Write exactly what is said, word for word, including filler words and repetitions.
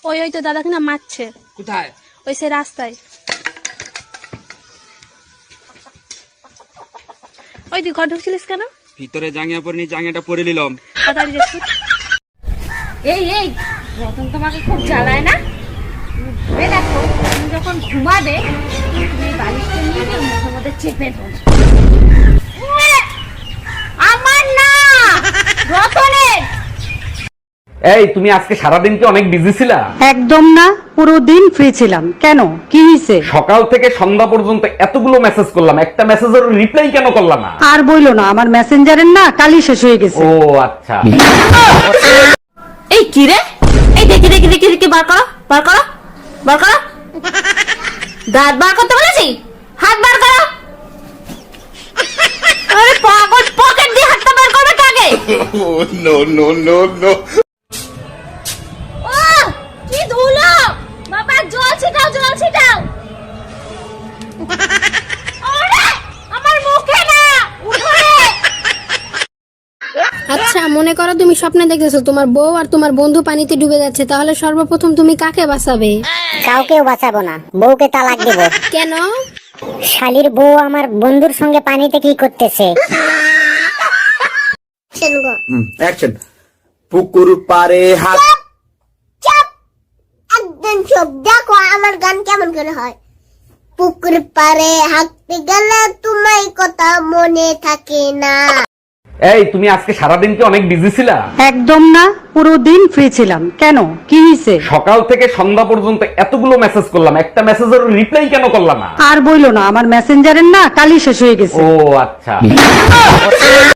ওই ওই তো দাদাকে না মারছে। কোথায়? ওই সে রাস্তায়। ওই তুই ঘর ঢুকছিলিস কেন? ভিতরে জাঙ্গিয়া পরিনি, জাঙ্গিয়াটা পরে নিলাম। তাড়াতাড়ি যাচ্ছি। এই এই রতন তোমাকে খুব জ্বালায় না? ভেবে দেখো তুমি যখন ঘুমাবে তুমি বালিশটা নিয়ে গিয়ে মুখের মধ্যে চেপে ধরো। আমার না, রতনের। এই তুমি আজকে সারাদিন কি অনেক বিজি ছিলা? একদম না, পুরো দিন ফ্রি ছিলাম। কেন, কি হয়েছে? সকাল থেকে সন্ধ্যা পর্যন্ত এতগুলো মেসেজ করলাম, একটা মেসেজের রিপ্লাই কেন করলা না? আর বইলো না, আমার মেসেঞ্জারের না কালই শেষ হয়ে গেছে। ও আচ্ছা। এই কি রে? এই দেখি দেখি দেখি দেখি বার করো বার করো বার করো। দাঁত বার করতে বলেছি, হাত বার করো। আরে পাগল, পকেট দিয়ে হাতটা বার করবে কাকে? No no no no. ও কি ধুলো! বাবা জল ছিটাও, জল ছিটাও। ওরে আমার মুখে না, উঠোনে। আচ্ছা, মনে করো তুমি স্বপ্নে দেখতেছো তোমার বউ আর তোমার বন্ধু পানিতে ডুবে যাচ্ছে, তাহলে সর্বপ্রথম তুমি কাকে বাঁচাবে? কাউকেও বাঁচাবো না, বউকে তালাক দেব। কেন? শালির বউ আমার বন্ধুর সঙ্গে পানিতে কি করতেছে? অ্যাকশন। পুকুর পারে হাত। একদম সব দেখো আমার গান কেমন করে হয়। পুকুর পারে হাঁটতে গেলে তোমায় কথা মনে থাকে না। এই তুমি আজকে সারাদিন কি অনেক বিজি ছিলা? একদম না, পুরো দিন ফ্রি ছিলাম। কেন, কি হয়েছে? সকাল থেকে সন্ধ্যা পর্যন্ত এতগুলো মেসেজ করলাম, একটা মেসেজের রিপ্লাই কেন করলা না? আর বইলো না, আমার মেসেঞ্জারের না কালই শেষ হয়ে গেছে। ও আচ্ছা।